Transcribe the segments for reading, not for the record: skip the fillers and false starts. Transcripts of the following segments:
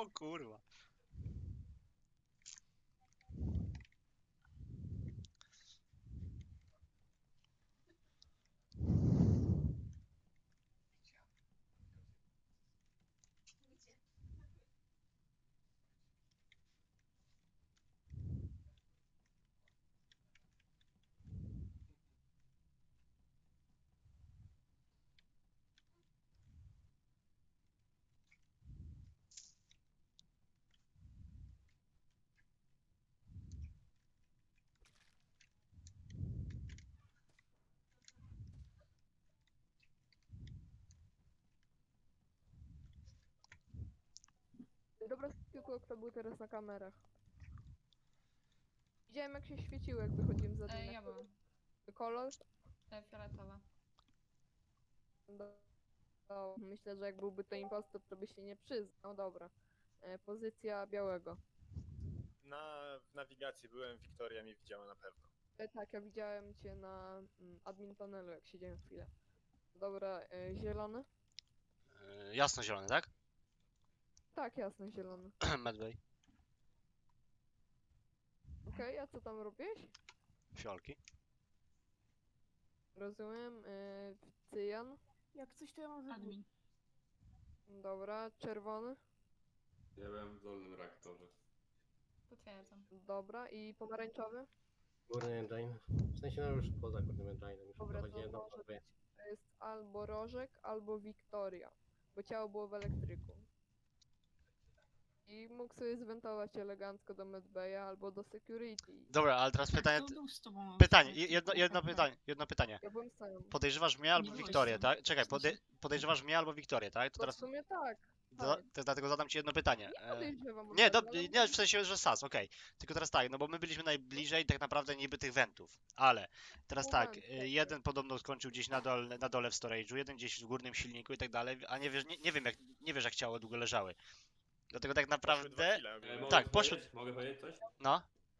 O kurwa. Dobra, tylko kto był teraz na kamerach. Widziałem jak się świeciło, jak wychodziłem za Ja byłam. Kolor? Fioletowa. Myślę, że jak byłby to impostor, to by się nie przyznał. Dobra. Pozycja białego. W nawigacji byłem, Wiktoria mnie widziała na pewno. Tak, ja widziałem cię na admin panelu, jak siedziałem chwilę. Dobra, zielony? Jasno-zielony, tak? Tak, jasno, zielony. Medway. Okej, a co tam robisz? Fiolki. Rozumiem. Cyjan? Jak coś to ja mam Admin. Dobra, czerwony? Ja byłem w dolnym reaktorze. Potwierdzam. Dobra, i pomarańczowy? Górny engine. W sensie no już poza górnym engine'em. Już Dobra, dochodzi to jedno, może dwie. to jest albo Rożek, albo Wiktoria, bo ciało było w elektryku. I mógł sobie zwentować elegancko do medbaya albo do security. Dobra, ale teraz pytanie. Kto był z tobą? Pytanie, w jedno pytanie. Ja byłem sam. Podejrzewasz mnie albo Nie byłeś Wiktorię, sam. tak? Czekaj, W sensie- podejrzewasz mnie albo Wiktorię, tak? To To w teraz. sumie tak. To dlatego zadam ci jedno pytanie. Nie podejrzewam. Nie, od razu, ale nie, w sensie, że SAS, okej. Tylko teraz tak, no bo my byliśmy najbliżej tak naprawdę niby tych wentów, ale teraz tak, Moment, czekaj. jeden podobno skończył gdzieś na dole w storage'u, jeden gdzieś w górnym silniku i tak dalej, a nie wiem jak, nie wiesz jak ciało długo leżały. Dlatego tak Poszły 2 naprawdę, kile ogólnie. Mogę tak, powiedzieć? Mogę powiedzieć coś? no,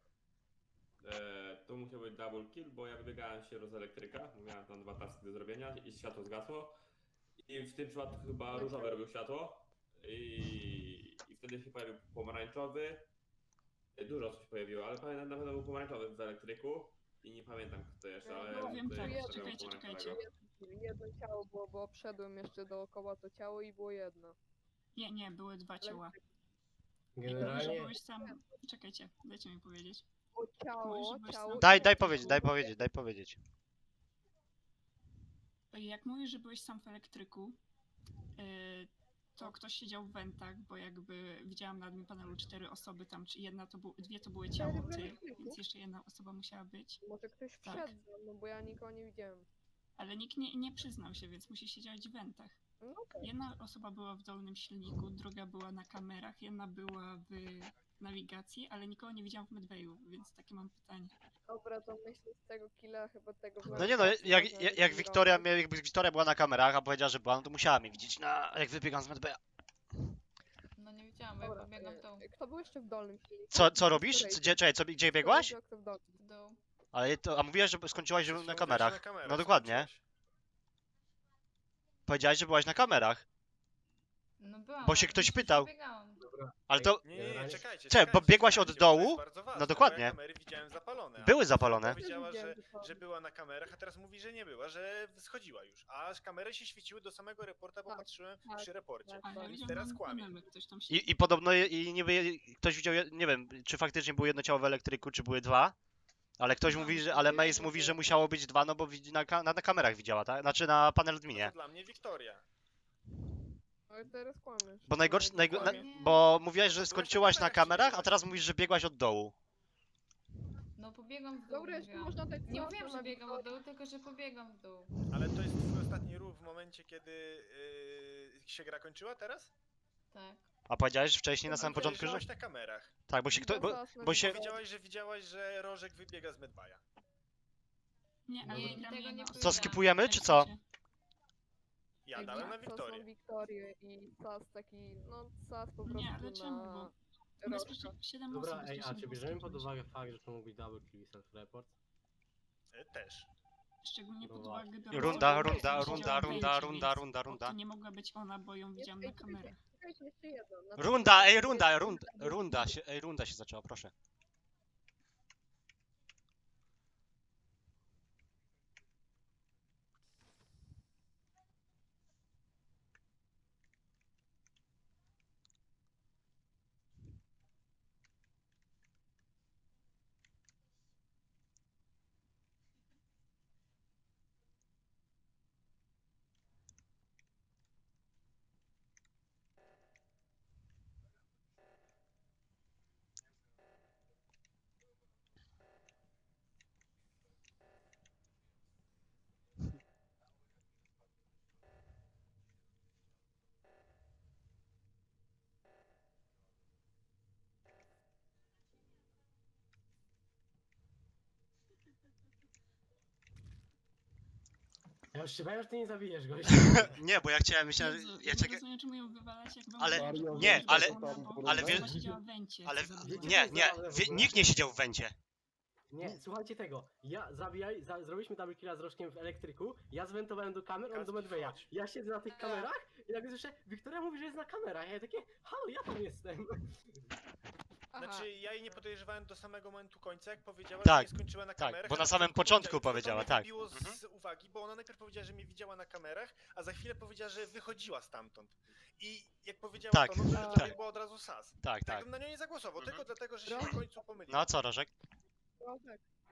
To musiał być double kill, bo ja wybiegałem się z elektryka, miałem tam 2 taski do zrobienia i światło zgasło. I w tym przypadku chyba różowy robił światło. I wtedy się pojawił pomarańczowy. Dużo osób się pojawiło, ale pamiętam na pewno był pomarańczowy w elektryku. I nie pamiętam kto jeszcze, ale No, wiem, tutaj tak, obstawiam czekajcie. pomarańczowego. jedno ciało było, bo obszedłem jeszcze dookoła to ciało i było jedno. Nie, były dwa ciała. Jak mówisz, że Generalnie byłeś sam... Czekajcie, dajcie mi powiedzieć. Bo ciało, Mówisz, że byłeś ciało... sam? daj powiedzieć. Jak mówisz, że byłeś sam w elektryku, to ktoś siedział w wentach, bo jakby widziałam na admin panelu 4 osoby tam, czy dwie to były ciało w ty, elektryku? więc jeszcze jedna osoba musiała być. Może ktoś Tak. wszedł, no bo ja nikogo nie widziałem. Ale nikt nie przyznał się, więc musi siedzieć w wentach. No okej. Jedna osoba była w dolnym silniku, druga była na kamerach, jedna była w nawigacji, ale nikogo nie widziałam w medbayu, więc takie mam pytanie. Dobra, to myślę z tego killa chyba tego... No nie no, jakby Wiktoria była na kamerach, a powiedziała, że była, no to musiała mnie widzieć, jak wybiegam z medbaya. No nie widziałam, bo ja Dobra, pobiegam w dół. kto był jeszcze w dolnym silniku? Co robisz? Czekaj, gdzie biegłaś? Kto w dolnym? W dół. A mówiłaś, że skończyłaś Przed na chwilą kamerach. byłeś na kamerach, No dokładnie. skończyłeś. Powiedziałeś, że byłaś na kamerach. No byłam. Bo się ale ktoś przecież pytał. biegałam. dobra. Ale to Nie, Generalnie- czekajcie. Czekaj, bo biegłaś od bo to dołu? jest bardzo ważne, No bo dokładnie. ja kamery widziałem zapalone. a były zapalone. Powiedziała, Widziałem, że była na kamerach, a teraz mówi, że nie była, że schodziła już. A kamery się świeciły do samego reporta, bo Tak, patrzyłem tak, przy reporcie. tak. Ale ja widziałam teraz na admin kłamie. panelu, ktoś tam siedzi. I podobno niby ktoś widział, nie wiem, czy faktycznie było jedno ciało w elektryku, czy były dwa. Ale ktoś No, mówi, myślę, ale że Mace jedno mówi, było. że musiało być dwa, no bo na kamerach widziała, tak? Znaczy na panel No adminie. to dla mnie Wiktoria. Ale teraz kłamiesz. Bo najgorsze, Kłamie. bo mówiłaś, że Byłaś na skończyłaś na kamerach, kamerach, a siedziałaś. teraz mówisz, że biegłaś od dołu. No pobiegam w dół. Dobra, jeszcze mówiłam. można dać Nie co, mówiłam, to że na biegam Wiktorię. w dół, tylko że pobiegam w dół. Ale to jest twój ostatni ruch w momencie, kiedy się gra kończyła teraz? Tak. A powiedziałeś wcześniej na samym Powiedziałeś, początku, że... byłaś na kamerach. Tak, bo się kto... Bo się... Powiedziałaś, że widziałaś, że Rożek wybiega z Medbaya. Nie, ale Nie, gra tego mnie nie na powiedziałam. Co, skipujemy, czy co? Ja Jak dałem na Sas Wiktorię. Wiktorię i Sas taki, no Sas po prostu Nie, ale czemu? na... Bo Rożka. bezpiecznie 7 Dobra, osób ej, a bezpiecznie czy było bierzemy pod skończyć. uwagę fakt, że to mógł być double kill i self-report? Też. Szczególnie pod No uwagę biorąc Runda, to, że runda, siedziała w runda, węcie, runda, więc runda, runda, runda. To nie mogła być ona, bo ją widziałam na kamerach. Czekajcie, jeszcze jedno. Runda, ej, runda się zaczęła, proszę. Ja już się bałem, że ty nie zabijesz goś. Nie, bo ja chciałem, myślałem, Jezu, że ja ja nie czekam. rozumiem, czemu ją wywalać, jak wam Ale- mówię, że nie, ona ale- była na boku, ale ona wiesz- siedziała w wencie, Ale co za Wiecie, duma. nie, co jest zabawne w ogóle? nikt nie siedział w wencie. Nie, słuchajcie tego. Ja zrobiliśmy double killa z Rożkiem w elektryku, ja zwentowałem do kamer, on do Kacpi, Medveya. wchodź. Ja siedzę na tych kamerach i nagle słyszę, Wiktoria mówi, że jest na kamerach. Ja takie, halo, ja tam jestem. Aha. Znaczy, ja jej nie podejrzewałem do samego momentu końca, jak powiedziała, Tak, że nie skończyła na tak, kamerach. bo a na samym początku i to powiedziała, mnie tak. wybiło Mhm. z uwagi, bo ona najpierw powiedziała, że mnie widziała na kamerach, a za chwilę powiedziała, że wychodziła stamtąd. I jak powiedziała Tak, to, no to tak. dla mnie była od razu sas. Tak, Tak tak. bym na nią nie zagłosował, Mhm. tylko dlatego, że się Roż- w końcu pomylił. No a co, Rożek? Rożek,